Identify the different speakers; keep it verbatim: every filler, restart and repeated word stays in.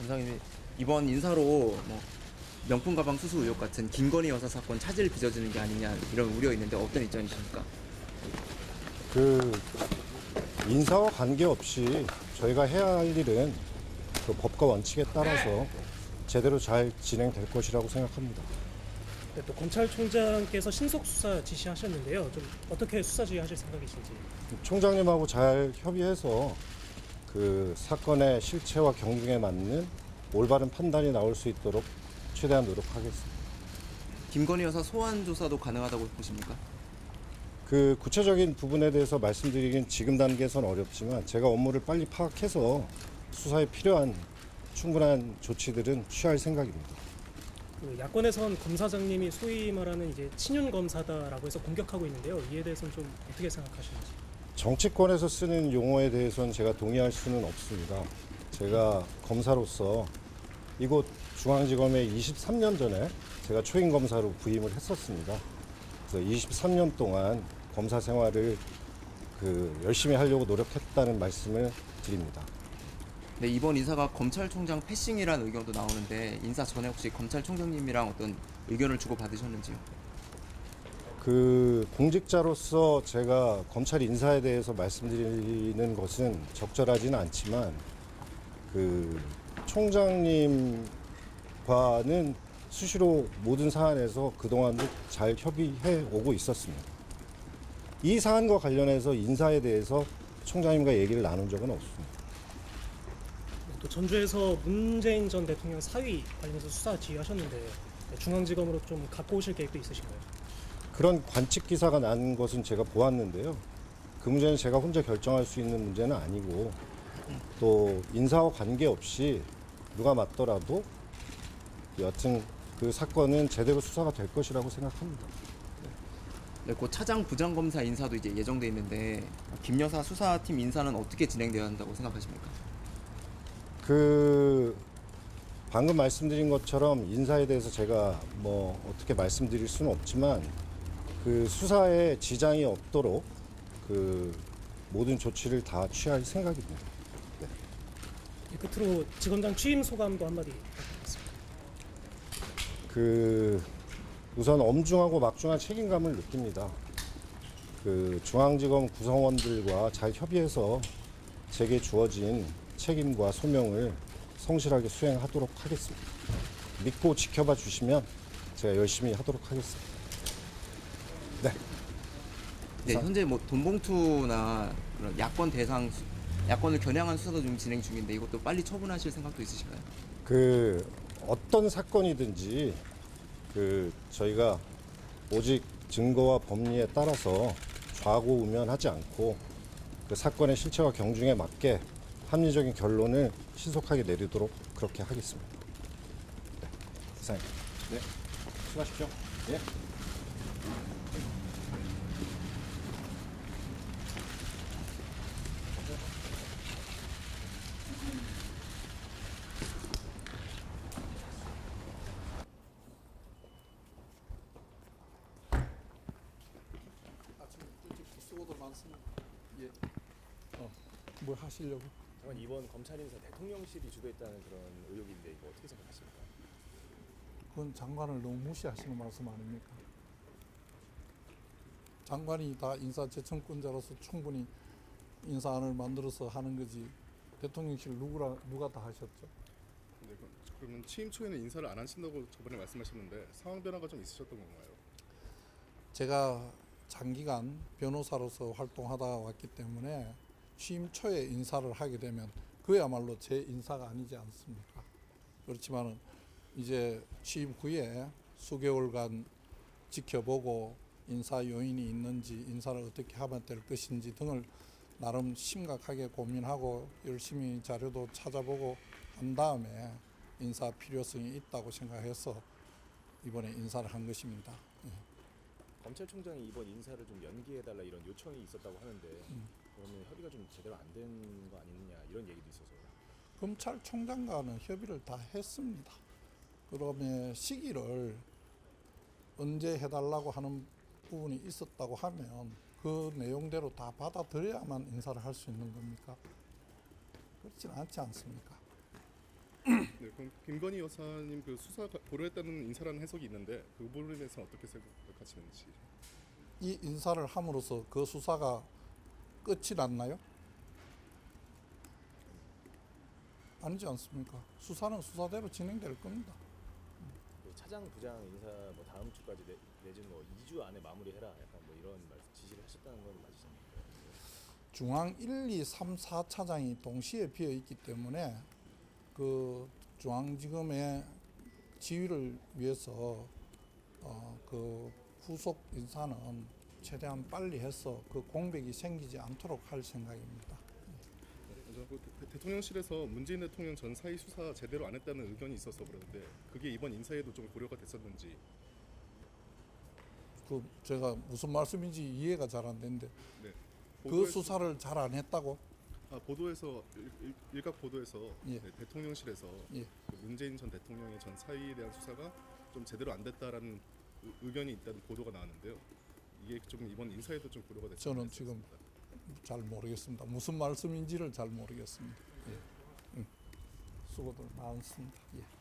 Speaker 1: 검사님이 이번 인사로 뭐 명품 가방 수수 의혹 같은 김건희 여사 사건 차질 빚어지는 게 아니냐 이런 우려 있는데 어떤 입장이십니까?
Speaker 2: 그 인사와 관계없이 저희가 해야 할 일은 그 법과 원칙에 따라서 제대로 잘 진행될 것이라고 생각합니다.
Speaker 3: 네, 또 검찰총장께서 신속 수사 지시하셨는데요. 좀 어떻게 수사 지휘하실 생각이신지.
Speaker 2: 총장님하고 잘 협의해서 그 사건의 실체와 경중에 맞는 올바른 판단이 나올 수 있도록 최대한 노력하겠습니다.
Speaker 1: 김건희 여사 소환 조사도 가능하다고 보십니까?
Speaker 2: 그 구체적인 부분에 대해서 말씀드리긴 지금 단계에서는 어렵지만 제가 업무를 빨리 파악해서 수사에 필요한 충분한 조치들은 취할 생각입니다.
Speaker 3: 그 야권에선 검사장님이 소위 말하는 이제 친윤 검사다라고 해서 공격하고 있는데요. 이에 대해서는 좀 어떻게 생각하시는지.
Speaker 2: 정치권에서 쓰는 용어에 대해서는 제가 동의할 수는 없습니다. 제가 검사로서 이곳 중앙지검에 이십삼 년 전에 제가 초임 검사로 부임을 했었습니다. 그래서 이십삼 년 동안 검사 생활을 그 열심히 하려고 노력했다는 말씀을 드립니다.
Speaker 1: 네, 이번 인사가 검찰총장 패싱이라는 의견도 나오는데 인사 전에 혹시 검찰총장님이랑 어떤 의견을 주고 받으셨는지요?
Speaker 2: 그 공직자로서 제가 검찰 인사에 대해서 말씀드리는 것은 적절하지는 않지만 그 총장님과는 수시로 모든 사안에서 그동안도 잘 협의해 오고 있었습니다. 이 사안과 관련해서 인사에 대해서 총장님과 얘기를 나눈 적은 없습니다.
Speaker 3: 또 전주에서 문재인 전 대통령 사위 관련해서 수사 지휘하셨는데 중앙지검으로 좀 갖고 오실 계획도 있으신가요?
Speaker 2: 그런 관측 기사가 난 것은 제가 보았는데요. 그 문제는 제가 혼자 결정할 수 있는 문제는 아니고 또 인사와 관계없이 누가 맞더라도 여튼 그 사건은 제대로 수사가 될 것이라고 생각합니다.
Speaker 1: 네, 곧 차장 부장검사 인사도 이제 예정돼 있는데 김 여사 수사팀 인사는 어떻게 진행돼야 한다고 생각하십니까?
Speaker 2: 그 방금 말씀드린 것처럼 인사에 대해서 제가 뭐 어떻게 말씀드릴 수는 없지만 그 수사에 지장이 없도록 그 모든 조치를 다 취할 생각입니다. 네.
Speaker 3: 네, 끝으로 지검장 취임 소감도 한마디 부탁드리겠습니다.
Speaker 2: 그 우선 엄중하고 막중한 책임감을 느낍니다. 그 중앙지검 구성원들과 잘 협의해서 제게 주어진 책임과 소명을 성실하게 수행하도록 하겠습니다. 믿고 지켜봐 주시면 제가 열심히 하도록 하겠습니다. 네.
Speaker 1: 네, 현재 뭐 돈봉투나 그런 야권 대상 수- 야권을 겨냥한 수사도 좀 진행 중인데 이것도 빨리 처분하실 생각도 있으신가요?
Speaker 2: 그 어떤 사건이든지 그 저희가 오직 증거와 법리에 따라서 좌고우면하지 않고 그 사건의 실체와 경중에 맞게 합리적인 결론을 신속하게 내리도록 그렇게 하겠습니다. 네, 이상입니다. 네, 수고하십시오. 예.
Speaker 4: 아침 일찍 수고도 많습니다. 예. 어, 뭘 하시려고?
Speaker 5: 잠깐 이번 검찰 인사 대통령실이 주도했다는 그런 의혹인데 이거 어떻게 생각하십니까?
Speaker 4: 그건 장관을 너무 무시하시는 말씀 아닙니까? 장관이 다 인사재청권자로서 충분히 인사안을 만들어서 하는 거지 대통령실 누구라 누가 다 하셨죠?
Speaker 6: 네, 그럼- 그러면 취임 초에는 인사를 안 하신다고 저번에 말씀하셨는데 상황 변화가 좀 있으셨던 건가요?
Speaker 4: 제가 장기간 변호사로서 활동하다 왔기 때문에 취임 초에 인사를 하게 되면 그야말로 제 인사가 아니지 않습니까? 그렇지만은 이제 취임 후에 수개월간 지켜보고 인사 요인이 있는지 인사를 어떻게 하면 될 것인지 등을 나름 심각하게 고민하고 열심히 자료도 찾아보고 한 다음에 인사 필요성이 있다고 생각해서 이번에 인사를 한 것입니다. 예.
Speaker 5: 검찰총장이 이번 인사를 좀 연기해달라 이런 요청이 있었다고 하는데 그러면 협의가 좀 제대로 안 된 거 아니느냐 이런 얘기도 있어서
Speaker 4: 검찰총장과는 협의를 다 했습니다. 그러면 시기를 언제 해달라고 하는 부분이 있었다고 하면 그 내용대로 다 받아들여야만 인사를 할 수 있는 겁니까? 그렇지는 않지 않습니까?
Speaker 6: 네, 그럼 김건희 여사님 그 수사 고려했다는 인사라는 해석이 있는데 그 부분에 대해서 어떻게 생각하시는지.
Speaker 4: 이 인사를 함으로써 그 수사가 끝이 났나요? 아니지 않습니까? 수사는 수사대로 진행될 겁니다.
Speaker 5: 그 차장 부장 인사 뭐 다음 주까지 내, 내지는 뭐 이 주 안에 마무리해라 약간 뭐 이런 말 지시를 하셨다는 건 맞으십니까?
Speaker 4: 중앙 일, 이, 삼, 사 차장이 동시에 비어 있기 때문에 그 중앙지검의 지휘를 위해서 어, 그 후속 인사는 최대한 빨리 해서 그 공백이 생기지 않도록 할 생각입니다.
Speaker 6: 먼저 그 대- 대통령실에서 문재인 대통령 전 사의 수사 제대로 안 했다는 의견이 있어서 그러는데 그게 이번 인사에도 좀 고려가 됐었는지.
Speaker 4: 그 제가 무슨 말씀인지 이해가 잘 안 되는데
Speaker 6: 네.
Speaker 4: 그
Speaker 6: 보도에서-
Speaker 4: 수사를 잘 안 했다고?
Speaker 6: 아, 보도에서 일, 일, 일각 보도에서
Speaker 4: 예.
Speaker 6: 네, 대통령실에서
Speaker 4: 예.
Speaker 6: 그 문재인 전 대통령의 전 사의에 대한 수사가 좀 제대로 안 됐다라는 의- 의견이 있다는 보도가 나왔는데요. 이게 좀 이번 인사에도 좀 고려가 됐죠.
Speaker 4: 저는 지금 잘 모르겠습니다. 무슨 말씀인지를 잘 모르겠습니다. 예. 응. 수고들 많습니다. 예.